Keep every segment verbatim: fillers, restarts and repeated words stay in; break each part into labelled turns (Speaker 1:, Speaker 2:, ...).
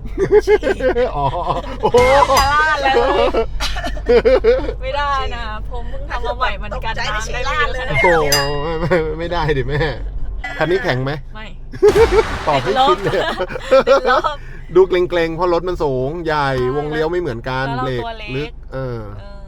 Speaker 1: อ๋อโอ้โห
Speaker 2: จะล่าเลยไม่ได้นะผมเพิ่งทำมาใหม่มันกันน้ำได้ไม่เยอะขนาด
Speaker 1: โอ้
Speaker 2: นี้
Speaker 1: โหไม่ไม่ไม่ได้ดิแม่คันนี้แข็งไหม
Speaker 2: ไม่
Speaker 1: ตอบไม่คิดเลย
Speaker 2: ติดลบ
Speaker 1: ดูเกรงๆเพราะรถมันสูงใหญ่วงเลี้ยวไม่เหมือนกัน
Speaker 2: แล้ว
Speaker 1: เบร
Speaker 2: เรา
Speaker 1: ก
Speaker 2: ตัวเล็ก
Speaker 1: ลึกเออ
Speaker 2: เออ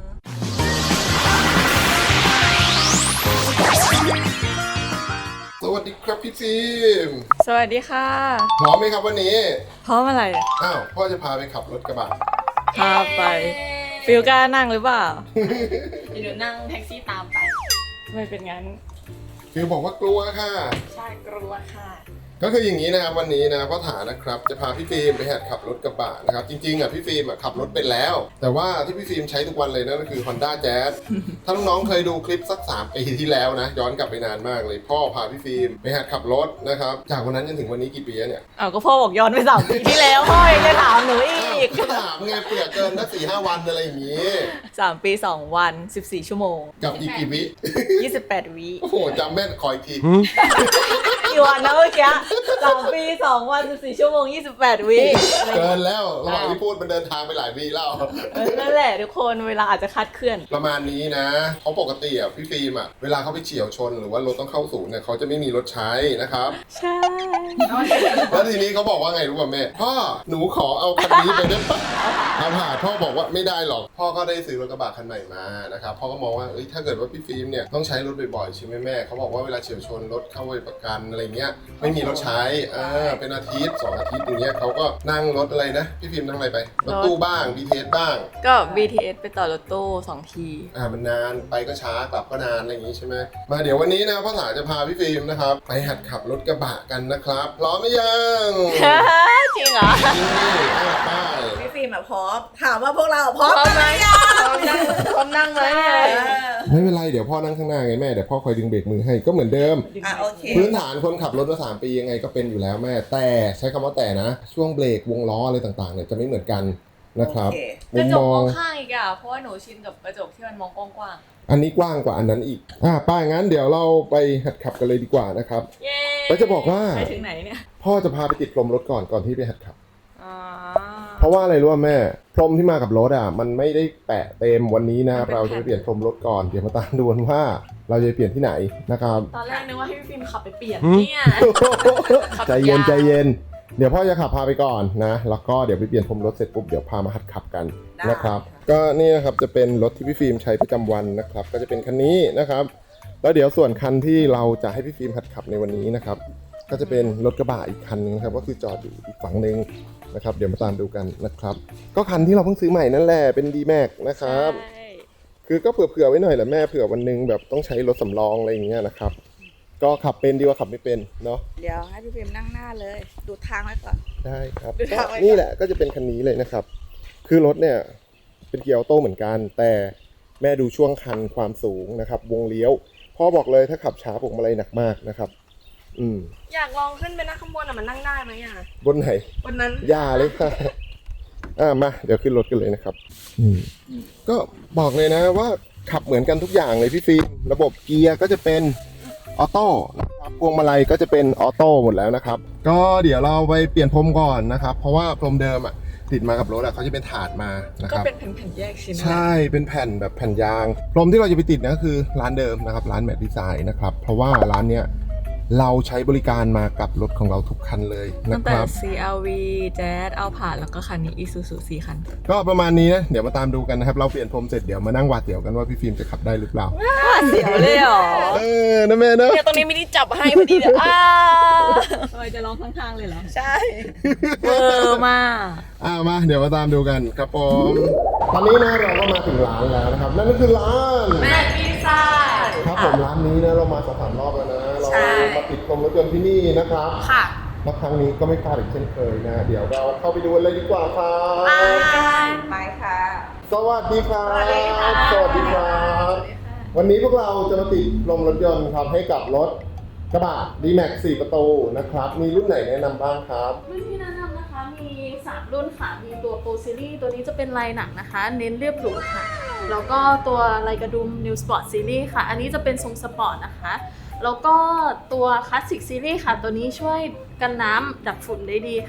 Speaker 1: สวัสดีครับพี่ฟิล์ม
Speaker 2: สวัสดีค่ะ
Speaker 1: พร้อมไหมครับวันนี้
Speaker 2: พร้อมอะไร
Speaker 1: อ้าวพ่อจะพาไปขับรถกระบะ
Speaker 2: พาไปฟิลกล้านั่งหรือเปล่าเดี๋ยวนั่งแท็กซี่ตามไปไม่เป็นงั้น
Speaker 1: ฟิล์มบอกว่ากลัวค่ะ
Speaker 2: ใช่กลัวค่ะ
Speaker 1: ก็คืออย่างนี้นะครับวันนี้นะพ่อถานะครับจะพาพี่ฟิล์มไปหัดขับรถกระบะนะครับจริงๆอ่ะพี่ฟิล์มอ่ะขับรถเป็นแล้ว แต่ว่าที่พี่ฟิล์มใช้ทุกวันเลยนั่นก็คือ Honda Jazz ถ้าน้องๆเคยดูคลิปสักสามปีที่แล้วนะย้อนกลับไปนานมากเลยพ่อพาพี่ฟิล์มไปหัดขับรถนะครับจากวันนั้นจนถึงวันนี้กี่ปีแล้วเนี่ย
Speaker 2: อ้าวก็พ่อบอกย้อนไปสามปีที่แล้วพ่อยังจะถามหนูอีก
Speaker 1: ก็ถามไงเปลือกเกินนักสี่ห้าวันอะไรอย่างนี้
Speaker 2: สามปีสองวันสิบสี่ชั่วโมง
Speaker 1: กับอีกกี่วิ
Speaker 2: ยี่สิบแปดวิ
Speaker 1: โอ้โหจำแม่นคอยที
Speaker 2: กี่วันนะเมื่อกี้สามปีสองวันสิบสี่ชั่วโมงยี่สิบแปดวิ
Speaker 1: เกินแล้วระหว่างที่พูดมันเดินทางไปหลายวิแล้ว
Speaker 2: นั่นแหละทุกคนเวลาอาจจะคลาดเคลื่อน
Speaker 1: ประมาณนี้นะเพราะปกติอ่ะพี่ฟิล์มอ่ะเวลาเขาไปเฉี่ยวชนหรือว่ารถต้องเข้าศูนย์เนี่ยเขาจะไม่มีรถใช้นะครับ
Speaker 2: ใช่
Speaker 1: แล้วทีนี้เขาบอกว่าไงรู้ป่ะแม่พ่อหนูขอเอาคันนี้ไปได้ปะเอาผ่านพ่อบอกว่าไม่ได้หรอกพ่อก็ได้ซื้อรถกระบะคันใหม่มานะครับพ่อก็มองว่าเอ้ยถ้าเกิดว่าพี่ฟิล์มเนี่ยต้องใช้รถบ่อยๆใช่ไหมแม่เขาบอกว่าเวลาเฉี่ยวชนรถเข้าไปประกันอะไรเงี้ยไม่มีรถใช้อ่าเป็นอาทิตย์สองอาทิตย์อย่างเงี้ยเขาก็นั่งรถอะไรนะพี่ฟิล์มนั่งอะไรไปรถตู้บ้าง บี ที เอส บ้าง
Speaker 2: ก็ บี ที เอส ไปต่อรถตู้สองที
Speaker 1: อ่ามันนานไปก็ช้ากลับก็นานอะไรอย่างงี้ใช่ไหมมาเดี๋ยววันนี้นะพ่อถาจะพาพี่ฟิล์มนะครับไปหัดขับรถกระบะกันนะครับพร้อมไหมยัง
Speaker 2: จริงเหรอ
Speaker 1: นี่อ่ะไป
Speaker 3: พี่ฟิล์มอะพร้อมถามว่าพวกเราพร้อม
Speaker 2: พร้อมไหม
Speaker 3: หรือยัง
Speaker 2: พร้อมนั่งไหม
Speaker 1: ไม่เป็นไรเดี๋ยวพ่อนั่งข้างหน้าไงแม่เดี๋ยวพ่อคอยดึงเบรกมือให้ก็เหมือนเดิม
Speaker 3: อ่ะโอเค
Speaker 1: พื้นฐานคนขับรถมาสามปียังไงก็เป็นอยู่แล้วแม่แต่ใช้คำว่าแต่นะช่วงเบรกวงล้ออะไรต่างๆเนี่ยจะไม่เหมือนกันนะครับ
Speaker 3: โอเค
Speaker 2: กระจกมองข้างอีกอ่ะเพราะว่าหนูชินกับกระจกที่มันมองกว้าง
Speaker 1: อันนี้กว้างกว่าอันนั้นอีกอ่าป้างั้นเดี๋ยวเราไปหัดขับกันเลยดีกว่านะครับ
Speaker 2: ๆเย้
Speaker 1: แล้วจะบอกว่า
Speaker 2: ไปถึงไหนเนี่ย
Speaker 1: พ่อจะพาไปติดพรมรถก่อนก่อนที่ไปหัดขับ
Speaker 2: อ๋อ
Speaker 1: เพราะว่าอะไรรู้ป่ะแม่พรมที่มากับรถอ่ะมันไม่ได้แปะเต็มวันนี้นะครับเราจะไปเปลี่ยนพรมรถก่อนเดี๋ยวมาตามดูกันว่าเราจะไปเปลี่ยนที่ไหนนะครับ
Speaker 2: ตอนแรกนึกว่าให้พี่ฟิล์มขับไปเปลี่ยน
Speaker 1: หืม
Speaker 2: เนี่ย ขับ
Speaker 1: ใจเย็น
Speaker 2: ยาว
Speaker 1: ใจเย็นเดี๋ยวพ่อจะขับพาไปก่อนนะแล้วก็เดี๋ยวไปเปลี่ยนพรมรถเสร็จปุ๊บเดี๋ยวพามาหัดขับกัน
Speaker 3: ได้
Speaker 1: นะครับก็นี่นะครับจะเป็นรถที่พี่ฟิล์มใช้ประจำวันนะครับก็จะเป็นคันนี้นะครับแล้วเดี๋ยวส่วนคันที่เราจะให้พี่ฟิล์มหัดขับในวันนี้นะครับก็จะเป็นรถกระบะอีกคันนึงครับก็คือจอดอยู่อีกฝั่งนึงนะครับเดี๋ยวมาตามดูกันนะครับก็คันที่เราเพิ่งซื้อใหม่นั่นแหละเป็น ดี แม็กซ์ นะครับ
Speaker 2: ใช่
Speaker 1: คือก็เผื่อๆไว้หน่อยแหละแม่เผื่อวันหนึงแบบต้องใช้รถสำรองอะไรอย่างเงี้ยนะครับก็ขับเป็นดีกว่าขับไม่เป็นเนาะ
Speaker 3: เดี๋ยวให้พี่ฟิล์มนั่งหน้าเลย ดูทางไว้ก่อน
Speaker 1: ได้ครับ
Speaker 3: ดู
Speaker 1: ก็
Speaker 3: ทางไว้ก่อน
Speaker 1: นี่แหละก็จะเป็นคันนี้เลยนะครับ คือรถเนี่ยเป็นเกียร์ออโต้เหมือนกัน แต่แม่ดูช่วงคันความสูงนะครับวงเลี้ยวพ่อบอกเลยถ้าขับช้าพวงมาลัยหนักมากนะครับอืม
Speaker 2: อยากลองขึ้นไปนั่งข้างบนอ่ะมันนั่งได้ไหมอ่ะ
Speaker 1: บนไหน
Speaker 2: บนนั้น
Speaker 1: อย่าเลยค่ะ อ่ามาเดี๋ยวขึ้นรถกันเลยนะครับอืมก็บอกเลยนะว่าขับเหมือนกันทุกอย่างเลยพี่ฟิล์มระบบเกียร์ก็จะเป็นออโต้นะครับพวงมาลัยก็จะเป็นออโต้หมดแล้วนะครับ ก็เดี๋ยวเราไปเปลี่ยนพรมก่อนนะครับ เพราะว่าพรมเดิมอ่ะติดมากับรถอ่ะเขาจะเป็นถาดมานะค
Speaker 2: ก็
Speaker 1: รับ
Speaker 2: เป็นแผ่นๆแยกชิ้น
Speaker 1: ใช่เป็นแผ่นแบบแผ่นยางพรมที่เราจะไปติดนะก็คือร้านเดิมนะครับร้านแมทดีไซน์นะครับเพราะว่าร้านเนี้ยเราใช้บริการมากับรถของเราทุกคันเลย
Speaker 2: ตั้
Speaker 1: นะ
Speaker 2: ง
Speaker 1: ค
Speaker 2: แต่
Speaker 1: รับ
Speaker 2: ซี อาร์ วี Jazz เอาผ่านแล้วก็คันนี้ Isuzu สี่คัน
Speaker 1: ก็ประมาณนี้นะเดี๋ยวมาตามดูกันนะครับเราเปลี่ยนพรมเสร็จเดี๋ยวมานั่งหวาดเสียวกันว่าพี่ฟิล์มจะขับได้หรือเปล่า
Speaker 2: เสียวเลยเหรอ
Speaker 1: เออนะแม่นะ
Speaker 2: เนี่ยตรงนี้ไม่ได้จับให้พอดีเดี๋ยวอ้าทำไมจะร้องข้างๆเลยเหรอ
Speaker 3: ใช่
Speaker 2: เวอร์มาก
Speaker 1: อ่ามาเดี๋ยวมาตามดูกันครับผมตอนนี้นะเราก็มาถึงร้านแล้วนะครับนั่นก็คือร้าน
Speaker 2: แม่ดีไซน์
Speaker 1: ครับผมร้านนี้นะเรามาสองสามรอบแล้วนะเรามาติดพรมรถยนต์ที่นี่นะครับ
Speaker 2: ค่ะ
Speaker 1: แล้วครั้งนี้ก็ไม่พลาดอีกเช่นเคยนะเดี๋ยวเราเข้าไปดูกันเลยดีกว่าครับ
Speaker 3: ไปค่ะ
Speaker 1: สวัสดีครับ
Speaker 3: สวัสดีค่ะ
Speaker 1: สวัสดีครับ วันนี้พวกเราจะมาติดลมรถยนต์ครับให้กับรถกระบะ ดี แม็กซ์ สี่ประตูนะครับ มีรุ่นไหนแนะนำบ้างครับ
Speaker 4: รุ่นที่แนะนำนะคะมีสามรุ่นค่ะ มีตัวโปรซีรีส์ตัวนี้จะเป็นลายหนังนะคะ เน้นเรียบหรูค่ะ แล้วก็ตัวลายกระดุม New Sport Series ค่ะ อันนี้จะเป็นทรงสปอร์ตนะคะ แล้วก็ตัวคลาสสิกซีรีส์ค่ะ ตัวนี้ช่วยกันน้ำดับฝุ่นได้ดีค่ะ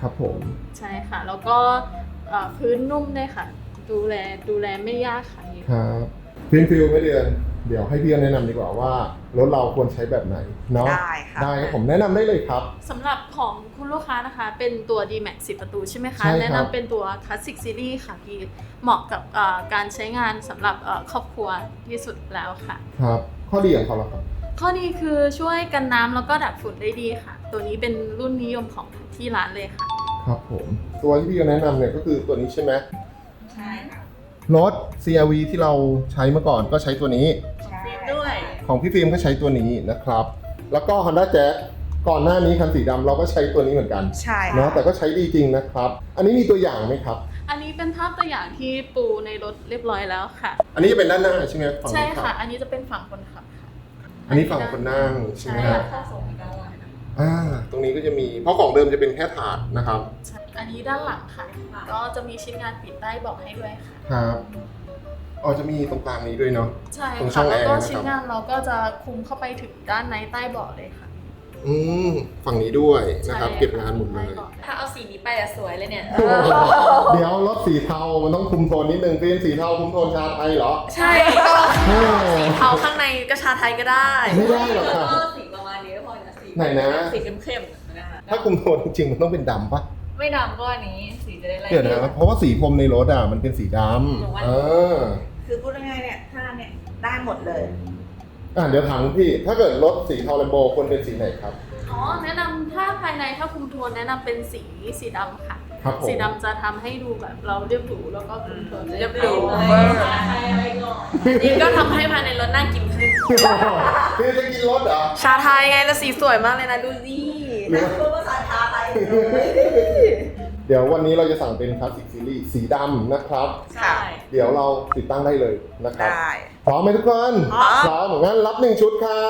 Speaker 1: ครับผม
Speaker 4: ใช่ค่ะ แล้วก็เอ่อพื้นนุ่มด้วยค่ะ ดูแลดูแลไม่ยากค่ะ
Speaker 1: ครับฟิล์มฟิลไม่เดือนเดี๋ยวให้พี่แนะนำดีกว่าว่ารถเราควรใช้แบบไหนเนาะ
Speaker 3: ได้ค่ะ
Speaker 1: ได้ครับผมแนะนำได้เลยครับ
Speaker 4: สำหรับของคุณลูกค้านะคะ เป็นตัว ดีแม็กซ์ สิบประตูใช่ไหมคะ
Speaker 1: ใช่ครับ
Speaker 4: แนะนำเป็นตัว Classic Series ค่ะพี่เหมาะกับเอ่อการใช้งานสำหรับเอ่อครอบครัวที่สุดแล้วค่ะ
Speaker 1: ครับข้อดีของเขาล่ะครับ
Speaker 4: ข้อดีคือช่วยกันน้ำแล้วก็ดับฝุ่นได้ดีค่ะ ตัวนี้เป็นรุ่นนิยมของที่ร้านเลยค่ะ
Speaker 1: ครับผมตัวที่พี่แนะนำเนี่ยก็คือตัวนี้ใช่ไหม
Speaker 3: ใช่ค่ะ
Speaker 1: รถ ซี อาร์ วี ที่เราใช้เมื่อก่อนก็ใช้ตัวนี้
Speaker 3: ใช่
Speaker 2: ด้วย
Speaker 1: ของพี่ฟิล์มก็ใช้ตัวนี้นะครับ แล้วก็ Honda Jazz ก่อนหน้านี้คันสีดำเราก็ใช้ตัวนี้เหมือนกัน
Speaker 3: ใช่
Speaker 1: เนาะแต่ก็ใช้ดีจริงนะครับ อันนี้มีตัวอย่างไหมครับ
Speaker 4: อันนี้เป็นภาพตัวอย่างที่ปูในรถเรียบร้อยแล้วค่ะ
Speaker 1: อันนี้จะเป็นด้านหน้าใช่ไหมฝั่ง
Speaker 4: ใช่
Speaker 1: คนขั
Speaker 4: ค่ะ
Speaker 1: บ
Speaker 4: อันนี้จะเป็นฝั่งคนขับค่ะ
Speaker 1: อันนี้ฝั่งคนนั่งใช่ไหม
Speaker 4: ใช่
Speaker 1: ฮะ
Speaker 4: ค่ะ
Speaker 1: อ่าตรงนี้ก็จะมีเพราะของเดิมจะเป็นแค่ถาดนะครับ
Speaker 4: ใช่อันนี้ด้านหลังค่ะ ก็จะมีชิ้นงานปิดใต้เบอกให้ด้วยค่ะ
Speaker 1: ครับอ๋อจะมีตรงกลางนี้ด้วยเนาะ
Speaker 4: ใช่
Speaker 1: ตรงช่
Speaker 4: ค่ะ
Speaker 1: อง
Speaker 4: แล้วก็
Speaker 1: แอร์นะครับ
Speaker 4: ชิ้นงานเราก็จะคุมเข้าไปถึงด้านในใต้เบาะเลยค่ะ
Speaker 1: อืมฝั่งนี้ด้วยนะครับ
Speaker 4: ใช่
Speaker 1: เก็บงานหมดเลย
Speaker 4: ใต้บาะ
Speaker 2: ถ้าเอาสีนี้ไปอะสวยเลยเนี่ย
Speaker 1: เดี๋ยวรถสีเทา มันต้องคุมโทนนิดนึงฟิล์มสีเทาคุมโทนชาไทยเหรอ
Speaker 2: ใช่ก็
Speaker 1: โอ้
Speaker 2: เทาข้างในก็ชาไทยก็ได้
Speaker 1: ไม่ได้หรอกค่ะ
Speaker 2: ก็สีประมาณนี้ก็พอนะสี
Speaker 1: ไหนนะ
Speaker 2: สีเข้มๆนะคะ
Speaker 1: ถ้าคุมโทนจริงๆมันต้องเป็นดำปะ
Speaker 2: ไม่ดำก็อันนี้สีจะได้ไล่
Speaker 1: เดี๋ยวนะเพราะว่าสีพรมในรถอ่ะมันเป็นสีด
Speaker 2: หนูว่า
Speaker 1: ำเออ
Speaker 3: คือพูดง่ายๆเนี่ยถ้าเนี่ยได้หมดเลย
Speaker 1: อ่ะเดี๋ยวถามพี่ ถ้าเกิดรถสีเทาแลมโบควรเป็นสีไหนครับ
Speaker 4: อ๋อ แนะนำถ้าภายในถ้าคุมโทนแนะนำเป็นสีสีดำค่ะ
Speaker 1: ครับผม
Speaker 4: สีดำจะทำให้ดูแบบเราเรียบหรูแล้วก็คุมโทน
Speaker 2: เรียบหรู
Speaker 4: ได้
Speaker 2: นี่ก็ทำให้ภายในรถน่ากินขึ้น
Speaker 1: พี่จะกินรถเหรอ
Speaker 2: ชาไทยไงแล้วสีสวยมากเลยนะดูสิ
Speaker 1: หรือ
Speaker 3: พูดภาษาไทย
Speaker 1: เดี๋ยววันนี้เราจะสั่งเป็นคลาสสิกซีรีส์สีดำนะครับ
Speaker 2: ใช่
Speaker 1: เดี๋ยวเราติดตั้งได้เลยนะครับ
Speaker 3: ได้
Speaker 1: พร้อมไหมทุกคน
Speaker 3: พร้อม
Speaker 1: พร้อมงั้นรับหนึ่งชุดครับ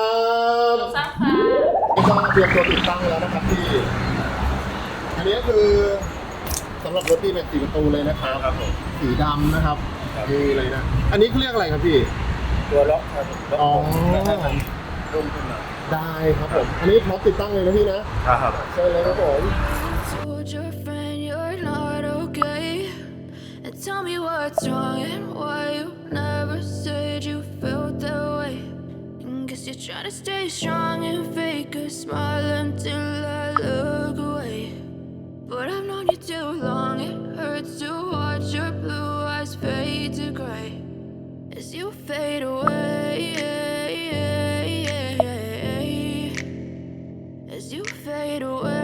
Speaker 4: ทราบค่ะ
Speaker 1: ก็เตรียมตัวติดตั้งแล้วนะครับพี่ อันนี้ก็คือสำหรับรถที่เป็นสีประตูเลยนะครับครับผมสีดำนะครับนี่เลยนะ อันนี้เขาเรียกอะไรครับพี่
Speaker 5: ตัวล็อกครับล็อก
Speaker 1: อ๋อ
Speaker 5: ให้มันรุ่มขึ้นหน่อย
Speaker 1: ได้ครับผม อันนี้พร้อมติดตั้งเลยนะพี่นะ
Speaker 5: ครับ
Speaker 1: ใช่เลยครับผม
Speaker 6: Told your friend you're not okay. And tell me what's wrong and why you never said you felt that way. And guess you're trying to stay strong and fake a smile until I look away. But I've known you too long, it hurts to watch your blue eyes fade to gray as you fade away. As you fade away.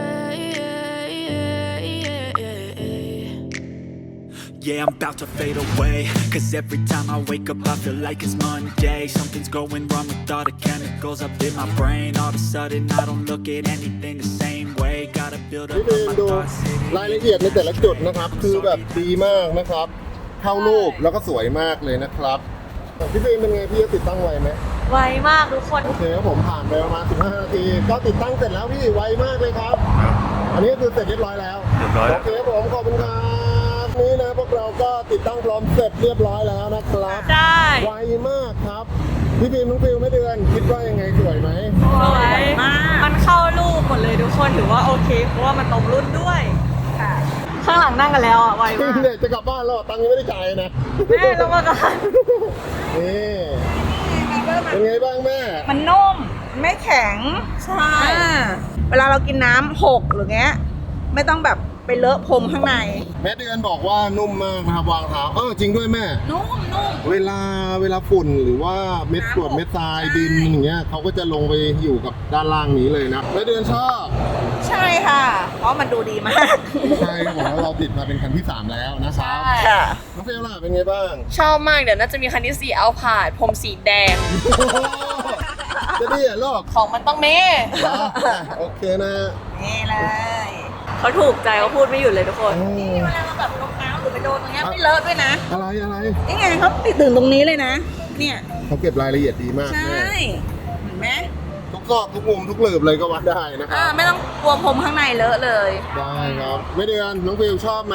Speaker 7: Yeah, I'm about to fade away. Cause every time I wake up, I feel like it's Monday. Something's going wrong with all the chemicals up in my brain. All of a sudden, I don't look at anything the same way. Gotta build
Speaker 1: พี่
Speaker 7: up
Speaker 1: ฟิล์
Speaker 7: on
Speaker 1: ม
Speaker 7: my
Speaker 1: ดู
Speaker 7: thoughts.
Speaker 1: รายละเอียดในแต่ละจุดนะครับ คือแบบดีมากนะครับ เข้ารูปแล้วก็สวยมากเลยนะครับพี่ฟิล์มเป็นไงพี่จะติดตั้งไวไหม
Speaker 2: ไวมากทุกคน
Speaker 1: โอเคครับผมผ่านไปประมาณสิบห้านาที ก็ติดตั้งเสร็จแล้วพี่ไวมากเลยครับ อันนี้ก็คือเสร็จเรียบร้อยแล้ว
Speaker 5: เรียบร้อย
Speaker 1: โอเคครับผมขอบคุณครับนี่นะพวกเราก็ติดตั้งพร้อมเสร็จเรียบร้อยแล้วนะครับ
Speaker 2: ได้
Speaker 1: ไวมากครับพี่ฟิล์มน้องฟิลไม่เดือนคิดว่ายังไงสวยไหม
Speaker 2: สวยมาก มันเข้ารูปหมดเลยทุกคนถือว่าโอเค เพราะว่ามันตรงรุ่นด้วย
Speaker 3: ค่ะ
Speaker 2: ข้างหลังนั่งกันแล้วอ่ะไวมาก
Speaker 1: เนี่ยจะกลับบ้านแล้วตังค์ยังไม่ได้จ่ายนะ
Speaker 2: แม่ต้องมากัน
Speaker 1: นี่เป็นไงบ้างแม่
Speaker 3: มันนุ่ม ไม่แข็ง
Speaker 2: ใช่
Speaker 3: อ่าเวลาเรากินน้ำหกหรือเงี้ย ไม่ต้องแบบไปเลอะพรมข้างใน
Speaker 1: แม่เดือนบอกว่านุ่มมากนะครับวางเท้าเออจริงด้วยแม่
Speaker 3: นุ่มนุ่ม
Speaker 1: เวลาเวลาฝุ่นหรือว่าเม็ดกรวดเม็ดทรายดินอย่างเงี้ยเขาก็จะลงไปอยู่กับด้านล่างนี้เลยนะแม่เดือนชอบ
Speaker 3: ใช่ค่ะ เพราะมันดูดีมาก
Speaker 1: ใช่ครับผมแล้วเราติดมาเป็นคันที่สามแล้วนะครับ
Speaker 3: ค่ะ
Speaker 1: น้องเฟลล่ะเป็นไงบ้าง
Speaker 2: ชอบมากเดี๋ยวน่าจะมีคันที่สี่เอาผาดผมสีแดง
Speaker 1: จะดีเหรอลูก
Speaker 2: ของมันต้องเม
Speaker 1: อ่ะโอเคนะ
Speaker 3: นี่เลย
Speaker 2: เขาถูกใจเขาพูดไม่หยุดเลยทุกคน
Speaker 1: โอ้
Speaker 3: นี่เวลาเราแบบรองเท้าหรือไปโดนตรงเงี้ยไม่เลอะด้วยนะ
Speaker 1: อะไรอะไร
Speaker 3: นี่ไงเขาติดถึงตรงนี้เลยนะ เนี่ย
Speaker 1: เขาเก็บรายละเอียดดีมาก
Speaker 3: ใช่
Speaker 1: แม่
Speaker 3: เห็นไหม
Speaker 1: ทุกซอกทุกมุมทุกหลืบเลยก็วัดได้นะค
Speaker 3: อ่า
Speaker 1: รับ
Speaker 3: ไม่ต้องกลัวพรมข้างในเลอะเลย
Speaker 1: ได้ครับแม่เดือนน้องฟิลชอบไหม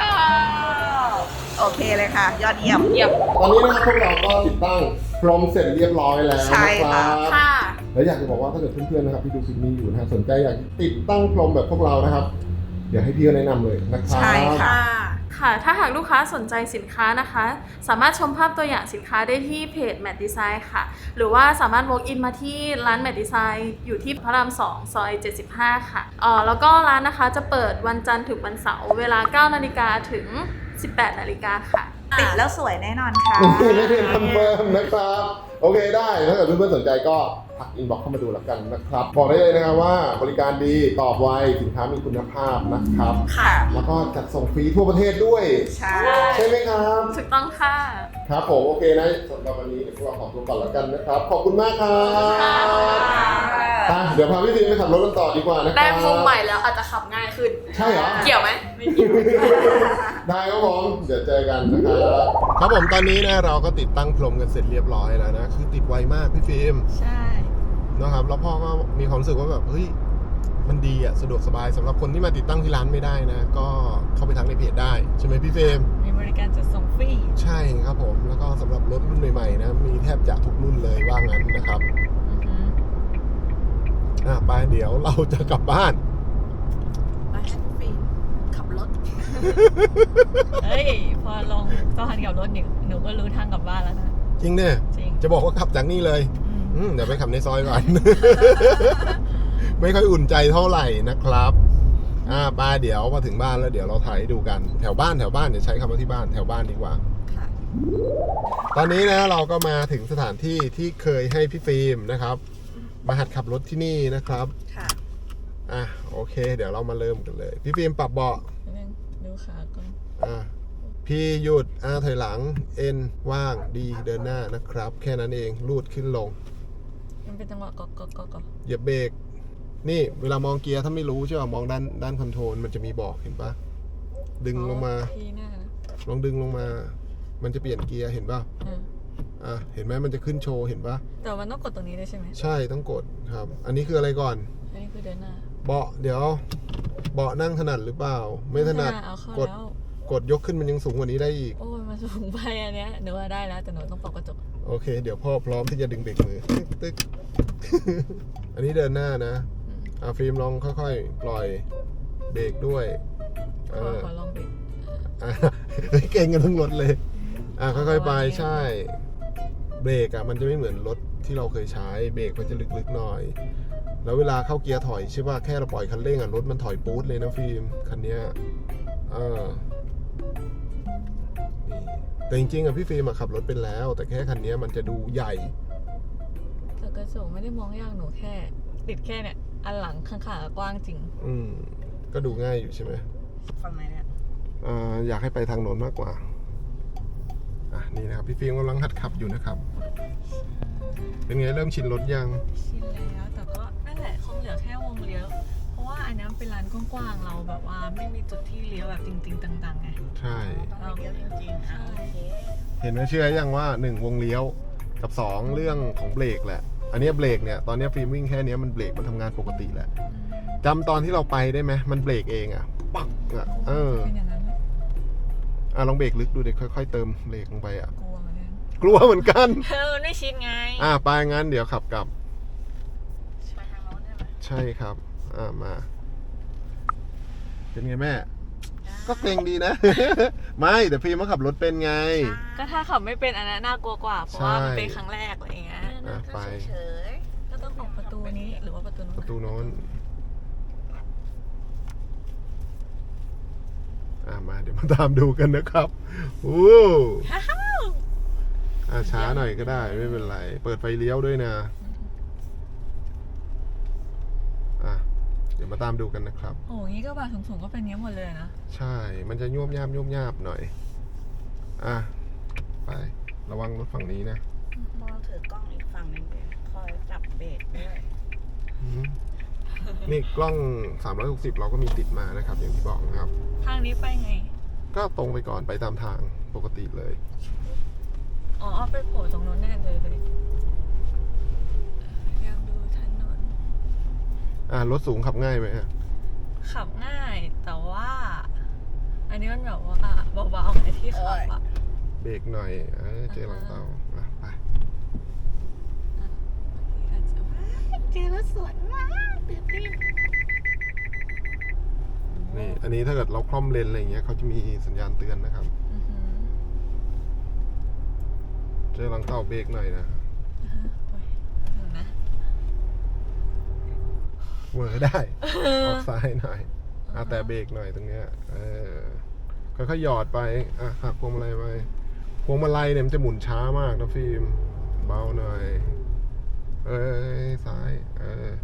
Speaker 3: โอเคเลยค่ะ ยอดเยี่ยมเยี่ยม
Speaker 1: ตอนนี้นะครับพวกเราก็ติดตั้งพร้อมเสร็จเรียบร้อยแล้ว
Speaker 3: ใช่
Speaker 1: นะค
Speaker 3: ค่ะ
Speaker 1: รับ
Speaker 2: ค่ะ
Speaker 1: แล้วอยากจะบอกว่าถ้าเกิดเพื่อนๆนะครับที่ดูคลิปนี้อยู่นะฮะสนใจอยากติดตั้งพรมแบบพวกเรานะครับเดี๋ยวให้พี่ก็แนะนำเลยนะครับ
Speaker 3: ใช่ค่ะ
Speaker 4: ค่ะ ถ้าหากลูกค้าสนใจสินค้านะคะ สามารถชมภาพตัวอย่างสินค้าได้ที่เพจ Matte Design ค่ะ หรือว่าสามารถ walk in มาที่ร้าน Matte Design อยู่ที่พระราม สอง ซอย เจ็ดสิบห้า ค่ะเอ่อแล้วก็ร้านนะคะจะเปิดวันจันทร์ถึงวันเสาร์เวลา เก้านาฬิกาถึง สิบแปดนาฬิกาค่ะ
Speaker 3: ติดแล้วสวยแน่นอนค่ะ
Speaker 1: ไม่ได้คอนเฟิร์มนะครับ โอเคได้ ถ้าเกิดเพื่อนๆสนใจก็ทักอินบ็อกซ์เข้ามาดูแล้วกันนะครับ บอกได้เลยนะครับว่าบริการดีตอบไวสินค้ามีคุณภาพนะครับ
Speaker 3: ค่ะ
Speaker 1: แล้วก็จัดส่งฟรีทั่วประเทศด้วย
Speaker 3: ใช่
Speaker 1: ใช่ไหมครับ
Speaker 4: ถูกต้องค่ะ
Speaker 1: ครับผมโอเคนะสำหรับวันนี้เดี๋ยวพวกเราขอตัวก่อนแล้วกันนะครับ ขอบคุณมากครับอ่ะเดี๋ยวพาพี่ฟิล์มไปขับรถกันต่อดีกว่านะครับ
Speaker 4: ได้พรมใหม่แล้วอาจจะขับง่ายขึ้น
Speaker 1: ใช่เหรอ
Speaker 4: เกี่ยวไหมไม่เกี่ยว
Speaker 1: ได้ครับผมเดี๋ยวเจอกันนะครับครับผมตอนนี้นะเราก็ติดตั้งพรมกันเสร็จเรียบร้อยแล้วนะคือติดไวมากพี่ฟิล์ม
Speaker 2: ใช่
Speaker 1: นะครับแล้วพ่อก็มีความรู้สึกว่าแบบเฮ้ยมันดีอะสะดวกสบายสำหรับคนที่มาติดตั้งที่ร้านไม่ได้นะก็เข้าไปทักในเพจได้ใช่ไหมพี่ฟิล์ม
Speaker 2: มีบริการจัดส่งฟรี
Speaker 1: ใช่ครับผมแล้วก็สำหรับรถรุ่นใหม่ๆนะมีแทบจะทุกรุ่นเลยว่างั้นนะครับ
Speaker 2: อือหือ
Speaker 1: อ่ะไปเดี๋ยวเราจะกลับบ้าน
Speaker 3: มาให้พี่ฟิล์มขับรถ
Speaker 2: เฮ้ย พอลงสะพานกับรถหนูหนูก็รู้ทางกลับบ้านแล้วนะ
Speaker 1: จริงเนี่ย
Speaker 2: จริง
Speaker 1: จะบอกว่าขับจากนี่เลย
Speaker 2: อืม
Speaker 1: อืมเดี๋ยวไปขับในซอยก่อน ไม่ค่อยอุ่นใจเท่าไหร่นะครับ อ่าป้าเดี๋ยวพอถึงบ้านแล้วเดี๋ยวเราถ่ายให้ดูกันแถวบ้านแถวบ้านเดี๋ยวใช้คำว่าที่บ้านแถวบ้านดีกว่า
Speaker 3: ค่ะ
Speaker 1: ตอนนี้นะเราก็มาถึงสถานที่ที่เคยให้พี่ฟิล์มนะครับมาหัดขับรถที่นี่นะครับ
Speaker 3: ค่ะ
Speaker 1: อ่ะโอเค เดี๋ยวเรามาเริ่มกันเลย พี่ฟิล์มปรับเบาะ
Speaker 2: นิดนึงดูขาก่อน
Speaker 1: อ่ะพี่หยุดอาถอยหลังเอ็นว่างดีเดินหน้านะครับ แค่นั้นเองลูดขึ้นลง
Speaker 2: มันเป็นจังหวะก๊อกก๊อกก๊อกก๊อก
Speaker 1: เหยียบเบรกนี่เวลามองเกียร์ถ้าไม่รู้ใช่ป่ะมองด้านด้านคอนโทรลมันจะมีบอกเห็นปะดึงลงมา
Speaker 2: ทีหน้านะ
Speaker 1: ลองดึงลงมา มันจะเปลี่ยนเกียร์เห็นปะ
Speaker 2: อ่า
Speaker 1: อ่ะเห็นไหมมันจะขึ้นโชว์เห็นปะ
Speaker 2: แต่มันต้องกดตรงนี้ด้วยใช่ไหม
Speaker 1: ใช่ต้องกดครับ อันนี้คืออะไรก่อน
Speaker 2: อันนี้คือเดินหน้า
Speaker 1: เบาะเดี๋ยวเบาะนั่งถนัดหรือเปล่า ไม่ถนัด
Speaker 2: เอาเข้าก
Speaker 1: ด
Speaker 2: แล้ว
Speaker 1: กดยกขึ้นมันยังสูงกว่านี้ได้อีก
Speaker 2: โอ้ยมันสูงไปอันเนี้ยหนูว่าได้แล้วแต่หนูต้องปรับกระจก
Speaker 1: โอเค เดี๋ยวพ่อพร้อมที่จะดึงเบรกมือตึ๊กตึ๊ก อันนี้เดินหน้านะ
Speaker 2: อืม
Speaker 1: อ่ะฟิล์มลองค่อยๆ ปล่อยเบรกด้วย
Speaker 2: ข
Speaker 1: เอ
Speaker 2: อ
Speaker 1: อ
Speaker 2: ขอลองเบรก
Speaker 1: อ่ะ เก่งกันทั้งรถเลย อ่ะค่อยๆไปใช่ เบรกอ่ะมันจะไม่เหมือนรถที่เราเคยใช้เบรกมันจะลึกๆหน่อย แล้วเวลาเข้าเกียร์ถอยใช่ป่ะแค่เราปล่อยคันเร่งอ่ะรถมันถอยปู๊ดเลยนะฟิล์มคันเนี้ยเออนี่แต่จริงๆอ่ะพี่ฟิล์มอ่ะขับรถเป็นแล้ว แต่แค่คันเนี้ยมันจะดูใหญ่
Speaker 2: แต่กระจกไม่ได้มองยากหนูแค่ ติดแค่เนี่ยอันหลังข้างๆกว้างจริง
Speaker 1: อืมก็ดูง่ายอยู่ใช่ไหม
Speaker 3: ฝั่งไหนเนี่ย
Speaker 1: อ่าอยากให้ไปทางโน้นมากกว่าอ่ะนี่นะครับพี่ฟิล์มกำลังหัดขับอยู่นะครับ เป็นไงเริ่มชินรถยัง
Speaker 2: ชินแล้วแต่ก็นั่นแหละคงเหลือแค่วงเลี้ยวเพราะว่าอันนี้มันเป็นร้านกว้างๆเราแบบว่าไม่มีจุดที่เลี้ยวแบบจริงๆต่างๆไง
Speaker 1: ใช่
Speaker 2: เราเลี้ยวจริงๆอ่ะโอเค
Speaker 1: เห็นไหมเชื่อยังว่าหนึ่งวงเลี้ยวกับสองเรื่องของเบรกแหละ อันเนี้ยเบรกเนี่ยตอนเนี้ยฟิล์มวิ่งแค่เนี้ยมันเบรกมันทำงานปกติแหละจำตอนที่เราไปได้ไหมมันเบรกเองอ่ะปักอ่ะเออ
Speaker 2: เป็นอย่างนั้นเลย
Speaker 1: อ่ะลองเบรกลึกดูเด็กค่อยๆเติมเบรกลงไปอ่ะ
Speaker 2: กลัวเหมือนกัน
Speaker 1: กลัวเหมือนกัน
Speaker 2: เออมันไม่ชินไง
Speaker 1: อ่ะไปงั้นเดี๋ยวขับกลับ
Speaker 3: ไปทางโน้นใช่ไหม
Speaker 1: ใช่ครับ อ่ามา เป็นไงแม่ ก็เกรงดีนะ ไม่แต่ฟิล์มมาขับรถเป็นไง
Speaker 2: ก็ถ้าขับไม่เป็นอันนั้นน่ากลัวกว่าเพราะว่า
Speaker 1: ใช่
Speaker 2: มันเป็นครั้งแรกอะไรอย่างเงี้ย
Speaker 1: อ่ะไป
Speaker 3: เฉย
Speaker 2: ก็ต้องออกประตูนี้หรือว่าประตูนู้น
Speaker 1: ประตูโน้น อ่ามาเดี๋ยวมาตามดูกันนะครับโอ้อ่าช้าหน่อยก็ได้ไม่เป็นไร เปิดไฟเลี้ยวด้วยนะ อ่ะเดี๋ยวมาตามดูกันนะครับ
Speaker 2: โอ้ยงี้ก็บาสูงๆก็เป็นเงี้ยหมดเลยนะ
Speaker 1: ใช่ มันจะยวบยาบยวบยาบหน่อย อ่ะ ไป ระวังรถฝั่งนี้นะ
Speaker 3: ๆมองถือกล้องอีกฝั่งหนึงด้วยคอยจับเบรกด้วย
Speaker 1: อืมนี่กล้องสามร้อยหกสิบเราก็มีติดมานะครับ อย่างที่บอกนะครับ
Speaker 2: ทางนี้ไปไง
Speaker 1: ก็ตรงไปก่อนไปตามทางปกติเลย
Speaker 2: อ๋อเอาไปโผล่ตรงนู้นแน่เลยไปดิพยายามดูถนน
Speaker 1: อ่ารถสูงขับง่ายไหมฮะ
Speaker 2: ขับง่ายแต่ว่า อันนี้มันแบบว่าเบาๆไงที่ขับอ่ะ
Speaker 1: เบรกหน่อยเออเจอหลังเตาอ่ะไป
Speaker 2: เจอแล้วสวยมากตื่นเต้น
Speaker 3: โ
Speaker 1: นี่อันนี้ถ้าเกิดเราคล่อมเลนอะไรอย่างเงี้ยเขาจะมีสัญญาณเตือนนะครับ
Speaker 2: อือหือ
Speaker 1: เจอหลังเต่าเบรกหน่อยนะ
Speaker 2: โอ้ยแป๊บนึงนะ
Speaker 1: เวอร์ได้ ออกซ้ายหน่อยอ่ะแต่เบรกหน่อยตรงเนี้ยเออค่อยๆหยอดไปอ่ะหักพวงมาลัยไปพวงมาลัยเนี่ยมันจะหมุนช้ามากนะฟิล์มเบาหน่อยเอ้ยซ้ายเออ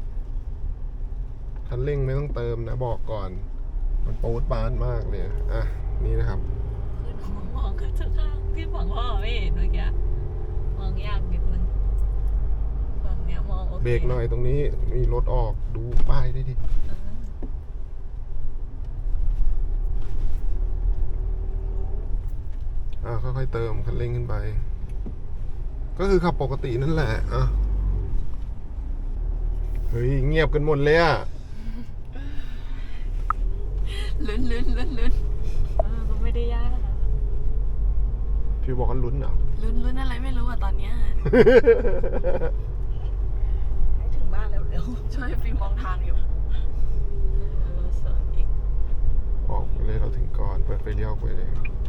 Speaker 1: คันเร่งไม่ต้องเติมนะบอกก่อนมันโป๊ดปานมากเลยอ่ะนี่นะครับ
Speaker 2: คือหนูมองกระจกข้างที่ฝั่งพ่อไม่เห็นเมื่อกี้มองยากนิดนึงฝั่งเนี้ยมองโอเค
Speaker 1: เบรกหน่อยตรงนี้มีรถออกดูป้ายได้ดิ
Speaker 2: อ่า
Speaker 1: อ่ะค่อยๆเติมคันเร่งขึ้นไป ก็คือขับปกตินั่นแหละอ่ะเฮ้ยเงียบกันหมดเลยอ่ะ
Speaker 2: ลุ้นลุ้นลุ้นลุ้นเออก็ไม่ได้ยากนะ
Speaker 1: พี่บอกว่าลุ้นเหรอ
Speaker 2: ลุ้นลุ้นอะไรไม่รู้อะตอนเนี้ย
Speaker 3: ให้ถึงบ้านเร็ว
Speaker 2: ช่วยฟิล์มมองทางอยู่เออสวยอีก
Speaker 1: ออกไปเลยเราถึงก่อนเปิดไฟเลี้ยวไปเลย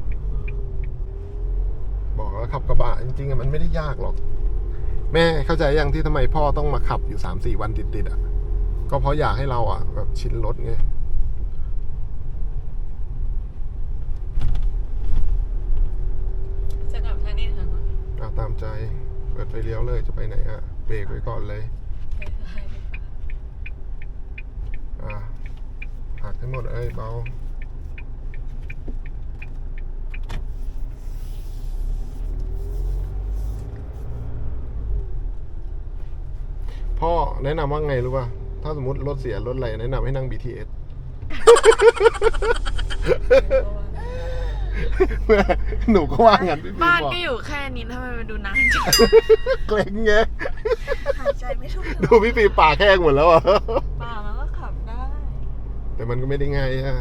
Speaker 1: บอกแล้วขับกระบะจริงๆอะมันไม่ได้ยากหรอก แม่เข้าใจยังที่ทำไมพ่อต้องมาขับอยู่สามสี่วันติดๆอ่ะก็เพราะอยากให้เราอ่ะแบบชินรถไง
Speaker 2: จะกลับทางนี้ค่ะ
Speaker 1: เอาตามใจเปิดไฟเลี้ยวเลยจะไปไหนอ่ะเบรกไว้ก่อนเลย
Speaker 2: ไปซ้ายดีกว่า
Speaker 1: อ่ะหักให้หมดเอ้ยเบาพ่อแนะนำว่าไงรู้ป่ะถ้าสมมติรถเสียรถอะไรแนะนำให้นั่ง บี ที เอส หนูก็ว่างั้นพี่
Speaker 2: บ้าน
Speaker 1: บอก
Speaker 2: ก็อยู่แค่นี้ทำไมมันดูนานจัง
Speaker 1: เกรงไง
Speaker 3: ๆหายใจไม่ถูก
Speaker 1: ดูพี่ปีปากแห้งหมดแล้วอ่ะ
Speaker 2: ป่ามันก็ขับได้
Speaker 1: แต่มันก็ไม่ได้ง่ายอ่ะ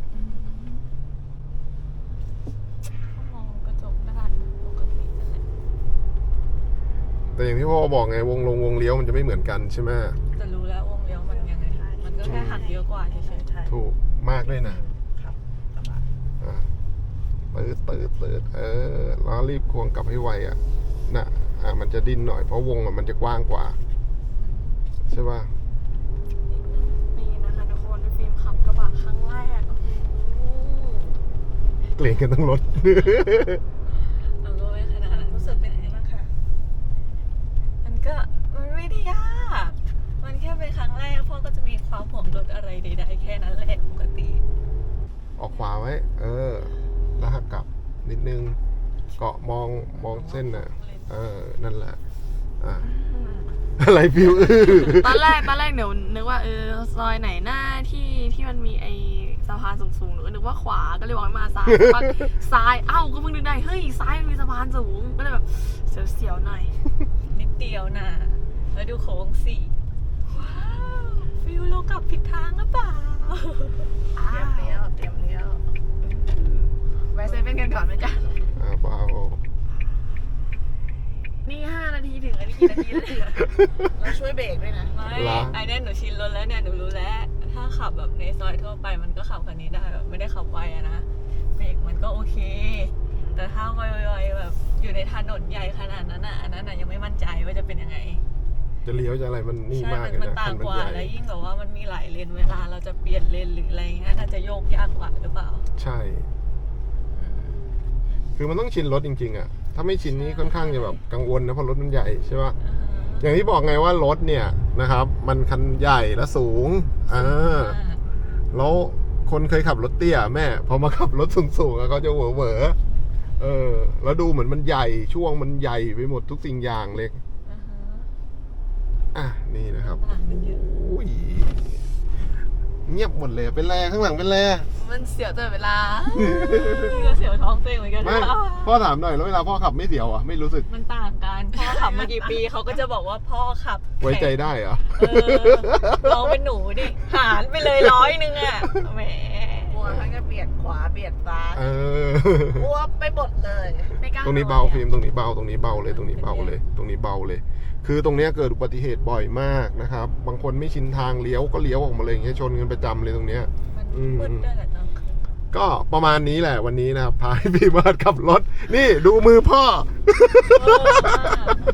Speaker 2: ก็มองกระจกด้านปกตินั่นแหละ
Speaker 1: แต่อย่างที่พ่อบอกไงวงลงวงเลี้ยวมันจะไม่เหมือนกันใช่ไหม
Speaker 2: แต่รู้แล้ววงเลี้ยวมันยังไง มันก็แค่หักเยอะกว่าเฉย
Speaker 3: ใช่
Speaker 1: ถูกมากเลยนะครับ
Speaker 3: กระบะ
Speaker 1: อ่ะตืดตืดตืดเออแล้วรีบควงกลับให้ไวอ่ะน่ะอ่ะมันจะดิ้นหน่อยเพราะวงอ่ะมันจะกว้างกว่าใช่ป่ะ
Speaker 2: ๆนี่นะคะทุกคนฟิล์มขับกระบะครั้งแรกโอ้โห
Speaker 1: เกรงกันทั้งรถ
Speaker 2: มันก็ไม่ขนาดนั้น
Speaker 3: รู้สึกเป็นยังไงบ้างคะ
Speaker 2: มันก็มันไม่ได้ยากมันแค่เป็นครั้งแรกพ่อก็จะมีความห่วงรถอะไรใดๆแค่นั้นแหละปกติ
Speaker 1: ออกขวาไว้ เออ แล้วหักกลับนิดนึง เกาะมองมองเส้นน่ะ เออ นั่นแหละ อ่ะ อะไรฟิวอื้อ
Speaker 4: ตอนแรกตอนแรกเดี๋ยวนึกว่าเออซอยไหนหน้าที่ที่มันมีไอสะพานสูงๆหนูก็นึกว่าขวาก็เลยบอกให้มาซ้ายปักซ้ายเอ้าก็เพิ่งนึกได้เฮ้ยซ้ายมันมีสะพานสูงก็เลยแบบเสียวๆหน่อย
Speaker 2: นิดเดียวนะแล้วดูโค้งสี่ว้าวฟิวเรากลับผิดทางหรือเปล่า
Speaker 3: เตรียมเลี้ยวเตรียมเลี้ยว
Speaker 4: แวะเซเว่นกันก่อนไหมจ๊ะ
Speaker 1: อ่ะเบา
Speaker 4: นี่ห้านาทีถึงอันนี้กี่นาทีแล้วเนี่ย
Speaker 3: แล้วช่วยเบรกด้วยนะ
Speaker 2: ไม่ไอ้เนี่ยหนูชินรถแล้วเนี่ยหนูรู้แล้ว ถ้าขับแบบในซอยทั่วไปมันก็ขับคันนี้ได้แบบไม่ได้ขับไวอะนะเบรกมันก็โอเค แต่ถ้าไวๆแบบอยู่ในถนนใหญ่ขนาดนั้นอ่ะอันนั้นอ่ะยังไม่มั่นใจว่าจะเป็นยังไง
Speaker 1: จะเลี้ยวจะอะไรมันนี่
Speaker 2: ใช่
Speaker 1: มาก
Speaker 2: มัน
Speaker 1: เลย
Speaker 2: มัน
Speaker 1: นะ
Speaker 2: ต่าง
Speaker 1: คันมัน
Speaker 2: กว่า
Speaker 1: ใหญ่
Speaker 2: แล้วยิ่งแบบว่ามันมีหลายเลนเวลาเราจะเปลี่ยนเลนหรืออะไรเงี้ยน่าจะโยกยากกว่าหรือเปล่า
Speaker 1: ใช่ คือมันต้องชินรถจริงๆอ่ะ ถ้าไม่ชินนี่ค่อนข้างจะแบบกังวลนะเพราะรถมันใหญ่ใช่ป่ะ อย่างที่บอกไงว่ารถเนี่ยนะครับ มันคันใหญ่และสูงอ่าแล้วคนเคยขับรถเตี้ยแม่พอมาขับรถสูงๆอะเขาจะเหวอเหวอเออ แล้วดูเหมือนมันใหญ่ช่วงมันใหญ่ไปหมดทุกสิ่งอย่างเลย
Speaker 2: อ่าฮะ
Speaker 1: อ่ะนี่นะครับ
Speaker 2: ต่างกันเยอะ
Speaker 1: อุ้ยเงียบหมดเลยเป็นแรข้างหลังเป็นแร
Speaker 2: มันเสียวตลอดเวลาก็เสียวท้องตัวเองเหมือนกัน
Speaker 1: ไม่พ่อถามหน่อยแล้วเวลาพ่อขับไม่เสียวอ่ะไม่รู้สึก
Speaker 2: มันต่างกันพ่อขับมากี่ปีเขาก็จะบอกว่าพ่อขับ
Speaker 1: ไว้ใจได้เหรอ
Speaker 2: เออลองเป็นหนูดิหารไปเลยร้อยหนึ่งอ่ะแหม
Speaker 3: กลัวทั้งจะเบียดขวาเบียดซ้าย
Speaker 1: เออ
Speaker 3: กลัวไปหมดเลย
Speaker 4: ไม่กล้า
Speaker 1: ตรงนี้เบาฟิล์มตรงนี้เบาตรงนี้เบาเลยตรงนี้เบาเลย ตรงนี้เบาเลย คือตรงเนี้ยเกิดอุบัติเหตุบ่อยมากนะครับ บางคนไม่ชินทางเลี้ยวก็เลี้ยวออกมาเลยอย่างเงี้ยชนกันประจำเลยตรงเนี้ย
Speaker 2: มัน
Speaker 1: อืม
Speaker 2: มืดด้วยแหละตอนคืน
Speaker 1: ก็ประมาณนี้แหละวันนี้นะครับพาให้พี่เบิร์ดขับรถ นี่ดูมือพ่อ
Speaker 2: โอ้มาก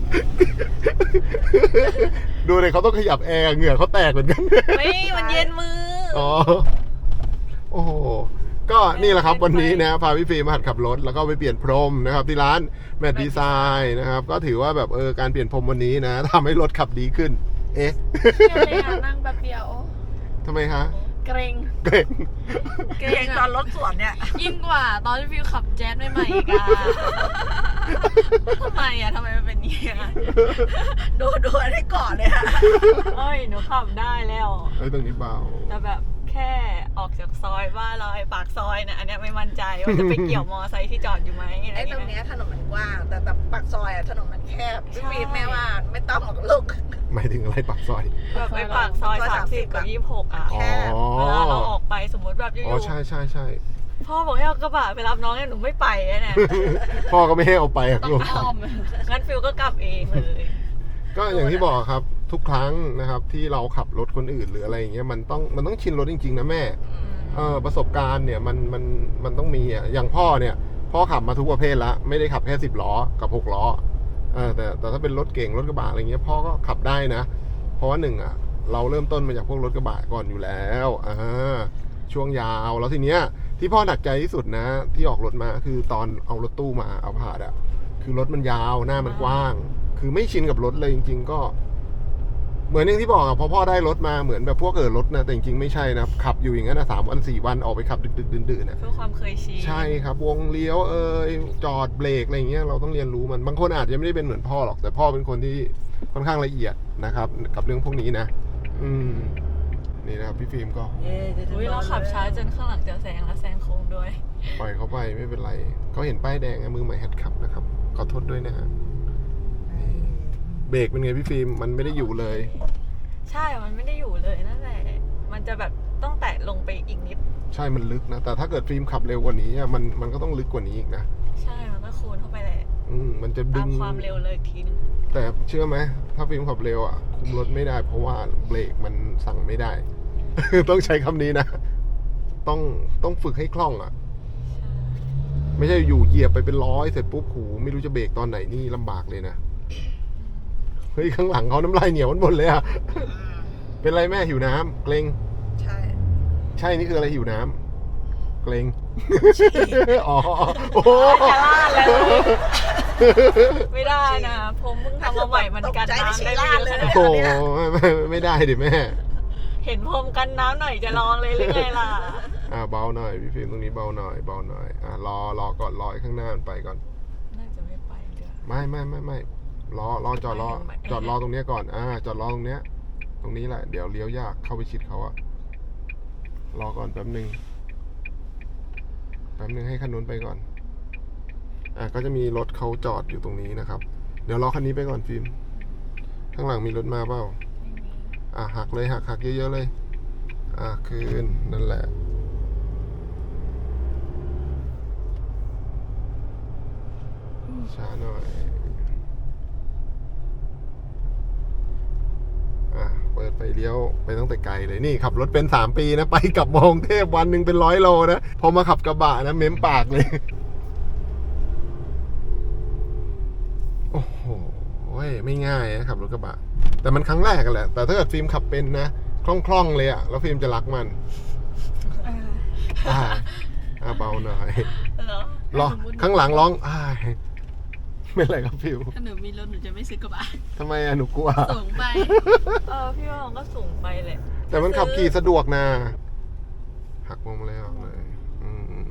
Speaker 1: ดูเลยเขาต้องขยับแอร์เหงื่อเขาแตกเหมือนกัน
Speaker 2: ไม่มันเย็นมืออ
Speaker 1: อ๋อ โอ้โห ก็นี่แหละครับวันนี้นะพาพี่ฟิล์มมาหัดขับรถแล้วก็ไปเปลี่ยนพรมนะครับที่ร้านแมทดีไซน์นะครับก็ถือว่าแบบเออการเปลี่ยนพรมวันนี้นะทำให้รถขับดีขึ้น เอ๊ะ
Speaker 4: เที่ยวเลยอะนั่งแป๊บเดียว
Speaker 1: ทำไมฮะ
Speaker 4: เกรง
Speaker 1: เก่ง
Speaker 3: เก่งตอนรถสวนเนี่ย
Speaker 4: ยิ่งกว่าตอนที่ฟิวขับแจ๊สใหม่ๆอีกอะ
Speaker 2: ทำไมอะทำไมมันเป็นอย่างนี้อะ
Speaker 3: ดูดูอันนี้ก่อนเลยค่ะ
Speaker 2: เอ้ยหนูขับได้แล้ว
Speaker 1: เอ้ยตรงนี้เบา
Speaker 2: แต่แบบแค่ออกจากซอยบ้านเราไอ้ปากซอยนะอันเนี้ยไม่มั่นใจว่าจะไปเกี่ยวมอไซค์ที่จอดอยู่ไหมอะไร
Speaker 3: ไอ้ตรง
Speaker 2: เงี้
Speaker 3: เนี้
Speaker 2: ย
Speaker 3: ยถนนมันกว้าง แต่แต่ปากซอยอะถนนมันแคบพี่
Speaker 2: ใช่
Speaker 3: ฟีแม่ว่าไม่ต้องหรอกลูก
Speaker 1: หมายถึงอะไรปากซอย
Speaker 2: แบบไอ้ปากซอย
Speaker 3: ซอย
Speaker 2: สามสิบ
Speaker 3: 30
Speaker 2: กับยี่สิบหกอ่ะ
Speaker 1: อ๋อ
Speaker 2: เวลาเราออกไปสมมติแบบอ
Speaker 1: อ๋อยู่ ใช่ใช่ใช่
Speaker 2: ๆพ่อบอกให้เอากระบะไปรับน้องเนี่ยหนูไม่ไปอะเนี่ย
Speaker 1: พ่อก็ไม่ให้เอาไปอะลูก
Speaker 4: อ้อม
Speaker 2: งั้นฟิลก็กลับเองเลย
Speaker 1: ก็อย่างที่บอกครับทุกครั้งนะครับที่เราขับรถคนอื่นหรืออะไรอย่างเงี้ยมันต้องมันต้องชินรถจริงๆนะแม่เออประสบการณ์เนี่ยมันมันมันต้องมีอ่ะอย่างพ่อเนี่ยพ่อขับมาทุกประเภทละไม่ได้ขับแค่สิบล้อกับหกล้อเออแต่แต่ถ้าเป็นรถเก่งรถกระบะอะไรเงี้ยพ่อก็ขับได้นะ เพราะว่าหนึ่งอ่ะเราเริ่มต้นมาจากพวกรถกระบะก่อนอยู่แล้วอ่าช่วงยาวแล้วทีเนี้ยที่พ่อหนักใจที่สุดนะ ที่ออกรถมาคือตอนเอารถตู้มาเอาผ่าดอ่ะคือรถมันยาวหน้ามันกว้าง คือไม่ชินกับรถเลยจริง ๆ ก็ เหมือนอย่างที่บอกอะพอพ่อได้รถมาเหมือนแบบพวกเออรถนะแต่จริงๆไม่ใช่นะขับอยู่อย่างนั้นนะสามวันสี่วันออกไปขับดึกๆดื่นๆนะ
Speaker 2: เพื่อความเคยชิน
Speaker 1: ใช่ครับวงเลี้ยวเอยจอดเบรกอะไรอย่างเงี้ยเราต้องเรียนรู้มันบางคนอาจจะไม่ได้เป็นเหมือนพ่อหรอกแต่พ่อเป็นคนที่ค่อนข้างละเอียดนะครับกับเรื่องพวกนี้นะ อืมนี่นะครับพี่ฟิล์มก็
Speaker 2: อุ้ยเราขับช้าจนข้างหลังจะแซงแล้วแซงโค้งด้วย
Speaker 1: ปล่อยเขาไปไม่เป็นไรเขาเห็นป้ายแดงอะมือใหม่หัดขับนะครับขอโทษด้วยนะฮะเบรกเป็นไงพี่ฟิล์มมันไม่ได้อยู่เลย
Speaker 2: ใช่มันไม่ได้อยู่เลยนั่นแหละมันจะแบบต้องแตะลงไปอีกนิด
Speaker 1: ใช่มันลึกนะแต่ถ้าเกิดฟิล์มขับเร็วกว่านี้อะมันมันก็ต้องลึกกว่านี้อีกนะ
Speaker 2: ใช่มันก็คูณเข้าไปแหละ
Speaker 1: อืมมันจะดึ
Speaker 2: ตาม
Speaker 1: ง
Speaker 2: ความเร็วเลยอีกทีนึง
Speaker 1: แต่เชื่อไหมถ้าฟิล์มขับเร็วอ่ะคุมรถไม่ได้เพราะว่าเบรกมันสั่งไม่ได้ ต้องใช้คำนี้นะ ต้องต้องฝึกให้คล่องอ่ะ ไม่ใช่อยู่เหยียบไปเป็นร้อยเสร็จปุ๊บหูไม่รู้จะเบรกตอนไหนนี่ลำบากเลยนะเฮ้ยข้างหลังเขาน้ำลายเหนียวมันหมดเลยอ่ะ เป็นไรแม่หิวน้ำเกรง
Speaker 3: ใช่
Speaker 1: ใช่นี่คืออะไรหิวน้ำเกรง อ๋อโอ้โห
Speaker 2: จะลาดแล้วไม่ได้นะผมเพิ่งทำมาใหม่มันกันน้ำได้ไม่เยอะขนาด
Speaker 1: โอ้
Speaker 2: นี้
Speaker 1: โหไม่ไม่ไม่ได้ดิแม่
Speaker 2: เห็นพรมกันน้ำหน่อยจะลองเลยหรือไงล่ะ
Speaker 1: อ่าเบาหน่อยพี่ฟิล์มตรงนี้เบาหน่อยเบาหน่อยอ่ารอรอก่อนรอให้ข้างหน้ามันไปก่อน
Speaker 2: น่าจะไม่ไปเดี๋ยว
Speaker 1: ไม่ไม่ไม่ไม่รอรอจอดรอ
Speaker 2: ไม่ไม่
Speaker 1: จอดรอตรงเนี้ยก่อนอ่าจอดรอตรงเนี้ย ตรงนี้แหละเดี๋ยวเลี้ยวยากเข้าไปชิดเขาอะรอก่อนแป๊บหนึ่งแป๊บหนึ่งให้คันนู้นไปก่อนอ่ะก็จะมีรถเขาจอดอยู่ตรงนี้นะครับ เดี๋ยวรอคันนี้ไปก่อนฟิล์มข้างหลังมีรถมาเปล่าอ่ะหักเลยหักหักเยอะๆเลยอ่ะคืนนั่นแหละช้าหน่อยอ่ะเปิดไฟเลี้ยวไปตั้งแต่ไกลเลยนี่ขับรถเป็นสามปีนะไปกลับมองเทพวันหนึ่งเป็นร้อยโลนะพอมาขับกระบะนะเม้มปากเลย โอ้โหไม่ง่ายนะขับรถกระบะแต่มันครั้งแรกกันแหละแต่ถ้าเกิดฟิล์มขับเป็นนะคล่องๆเลยอะแล้วฟิล์มจะรักมันอ่าอ่าเบาหน่อย
Speaker 2: เหรอ
Speaker 1: รอข้างหลังร้องอ้ายไม่เป็นไรครับฟิว
Speaker 4: ถ้าหนูมีรถหนูจะไม่ซื้อกระบะ
Speaker 1: ทำไมอะหนูกลัว
Speaker 4: สูงไป
Speaker 2: เออพี่ว่ามันก็สูงไปเลย
Speaker 1: แต่มันขับขี่สะดวกนะหักมุมเลยออกเลยอืม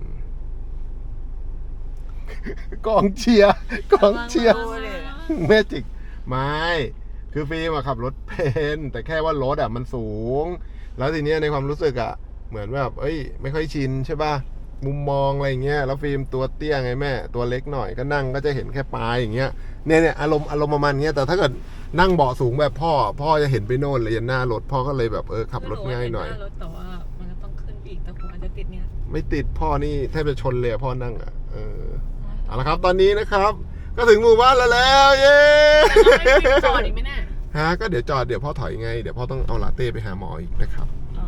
Speaker 1: กองเชียร์กองเชียร์
Speaker 2: ดูเลย
Speaker 1: เมจิกไม่คือฟิล์มอะขับรถเป็นแต่แค่ว่ารถอะมันสูง แล้วทีเนี้ยในความรู้สึกอะเหมือนแบบเอ้ยไม่ค่อยชินใช่ป่ะมุมมองอะไรเงี้ยแล้วฟิล์มตัวเตี้ยไงแม่ตัวเล็กหน่อยก็นั่งก็จะเห็นแค่ปลายอย่างเงี้ยเนี่ยเนี่ยอารมณ์อารมณ์ประมาณเงี้ยแต่ถ้าเกิดนั่งเบาะสูงแบบพ่อ พ่อจะเห็นไปโน่นเลยยันหน้ารถพ่อก็เลยแบบเออขับรถง่ายหน่อย
Speaker 2: รถแต่ว่ามันก็ต้องขึ้นอีกแต่หัวจะติดเนี่ย
Speaker 1: ไม่ติดพ่อนี่แทบจะชนเลยอะพ่อนั่งอ่ะเออเอาละครับตอนนี้นะครับ ก็ถึงหมู่บ้านแล้วแล้วเย้
Speaker 4: จอดอีกไหมเนี่ย
Speaker 1: ฮะก็เดี๋ยวจอดเดี๋ยวพ่อถอยไงเดี๋ยวพ่อต้องเอาลาเต้ไปหาหมออีกนะครับ
Speaker 2: อ๋อ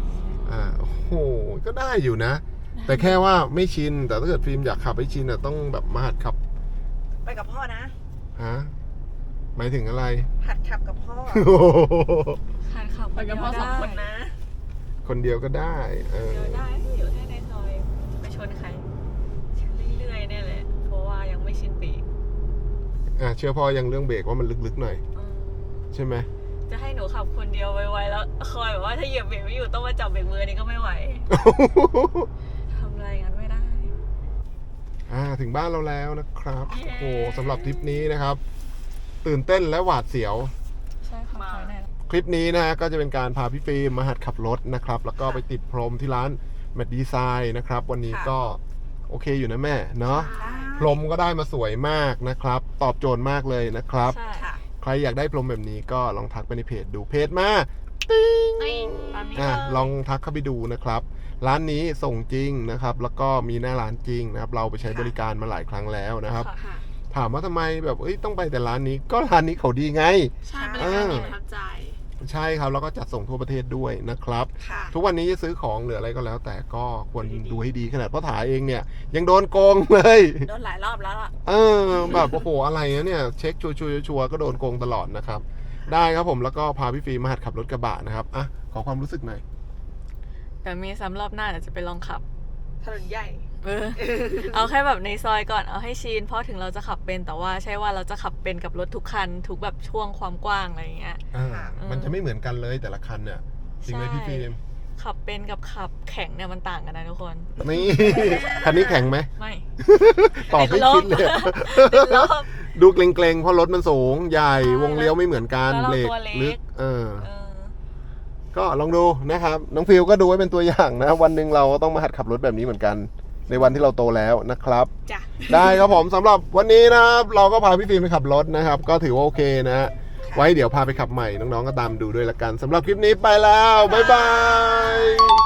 Speaker 1: อ่าโอ้โหก็ได้อยู่นะ แต่แค่ว่าไม่ชินแต่ถ้าเกิดฟิล์มอยากขับให้ชินอ่ะต้องแบบมาหัดขับ
Speaker 3: ไปกับพ่อนะ
Speaker 1: ฮะหมายถึงอะไร
Speaker 3: หัดขับกับพ่อ
Speaker 2: หัดขับ
Speaker 4: ไปกับพ่อสองคน
Speaker 2: ได้
Speaker 4: นะ
Speaker 1: คนเดียวก็ได้เออ
Speaker 2: เดียวได้อยู่แค่ในซอยไปชนใครเรื่อยๆเนี่ยแหละเพราะว่ายังไม่ชินปีก
Speaker 1: อ่ะเชื่อพ่อยังเรื่องเบรกว่ามันลึกๆหน่อย
Speaker 2: อืม
Speaker 1: ใช่ไหม
Speaker 2: จะให้หนูขับคนเดียวไวๆแล้วคอยแบบว่าถ้าเหยียบเบรกไม่อยู่ต้องมาจับเบรกมือนี่ก็ไม่ไหวทำอะไรงั้นไม่ได้
Speaker 1: อ่าถึงบ้านเราแล้วนะครับ
Speaker 2: เย้
Speaker 1: โอ้สำหรับทริปนี้นะครับ ตื่นเต้นและหวาดเสียว
Speaker 2: ใช่ค่ะคอยแน่
Speaker 1: คลิปนี้นะฮะก็จะเป็นการพาพี่ฟิล์มมาหัดขับรถนะครับ แล้วก็ไปติดพรมที่ร้านแมดดีไซน์นะครับ วันนี้
Speaker 3: ค่ะ
Speaker 1: ก็โอเคอยู่นะแม่เนาะพรมก็ได้มาสวยมากนะครับ ตอบโจทย์มากเลยนะครับ
Speaker 2: ใช่
Speaker 3: ค่ะ
Speaker 1: ใครอยากได้พรมแบบนี้ก็ลองทักไปในเพจดูเพจมา
Speaker 2: ตามนี้
Speaker 1: อ่ะ
Speaker 2: เลย
Speaker 1: ลองทักเข้าไปดูนะครับ ร้านนี้ส่งจริงนะครับ แล้วก็มีหน้าร้านจริงนะครับ เราไปใช้บริการมาหลายครั้งแล้วนะครับ
Speaker 2: ค่ะ
Speaker 1: ถามว่าทำไมแบบเอ้ยต้องไปแต่ร้านนี้ก็ร้านนี้เขาดีไง
Speaker 4: ใช่บริการดีประทับใจ
Speaker 1: ใช่ครับแล้วก็จัดส่งทั่วประเทศด้วยนะครับ
Speaker 3: ค่ะ
Speaker 1: ทุกวันนี้จะซื้อของหรืออะไรก็แล้ว แต่ก็ควรดูให้ดีขนาดพ่อถาเองเนี่ย ยังโดนโกงเลย
Speaker 3: โดนหลายรอบแล้วอ่ะ
Speaker 1: เออแบบโอ้โหอะไรนะเนี่ยเช็คชัวร์ชัวร์ชัวร์ก็โดนโกงตลอดนะครับ ได้ครับผมแล้วก็พาพี่ฟีมาหัดขับรถกระบะนะครับอ่ะขอความรู้สึกหน่อย
Speaker 2: แต่มีซ้ำรอบหน้าเดี๋ยวจะไปลองขับ
Speaker 3: ถนนใหญ่
Speaker 2: เออ เอาแค่แบบในซอยก่อนเอาให้ชินเพราะถึงเราจะขับเป็นแต่ว่าใช่ว่าเราจะขับเป็นกับรถทุกคันทุกแบบช่วงความกว้างอะไรอย่างเงี้ย
Speaker 1: อ่า
Speaker 2: เออ
Speaker 1: มันจะไม่เหมือนกันเลยแต่ละคันเนี่ยจริงไหมพี่ฟิล์ม
Speaker 2: ขับเป็นกับขับแข็งเนี่ยมันต่างกันนะทุกคน
Speaker 1: นี่ คันนี้แข็งไหม
Speaker 2: ไม่
Speaker 1: ตอบไม่คิดเลย
Speaker 2: ติดลบ
Speaker 1: ดูเกรงๆเพราะรถมันสูงใหญ่
Speaker 2: ใช่
Speaker 1: วงเลี้ยวไม่เหมือนกัน
Speaker 2: แล้ว
Speaker 1: เบร
Speaker 2: เรา
Speaker 1: ก
Speaker 2: ตัวเล็ก
Speaker 1: ลึกเออ
Speaker 2: เออ
Speaker 1: ก็ลองดูนะครับน้องฟิลก็ดูไว้เป็นตัวอย่างนะ วันหนึ่งเราต้องมาหัดขับรถแบบนี้เหมือนกัน ในวันที่เราโตแล้วนะครับ
Speaker 3: จ้ะ
Speaker 1: ได้ครับผมสำหรับวันนี้นะครับเราก็พาพี่ฟิล์มไปขับรถนะครับ ก็ถือว่าโอเคนะฮะไว้เดี๋ยวพาไปขับใหม่น้องๆก็ตามดูด้วยละกันสำหรับคลิปนี้ไปแล้วบ๊ายบาย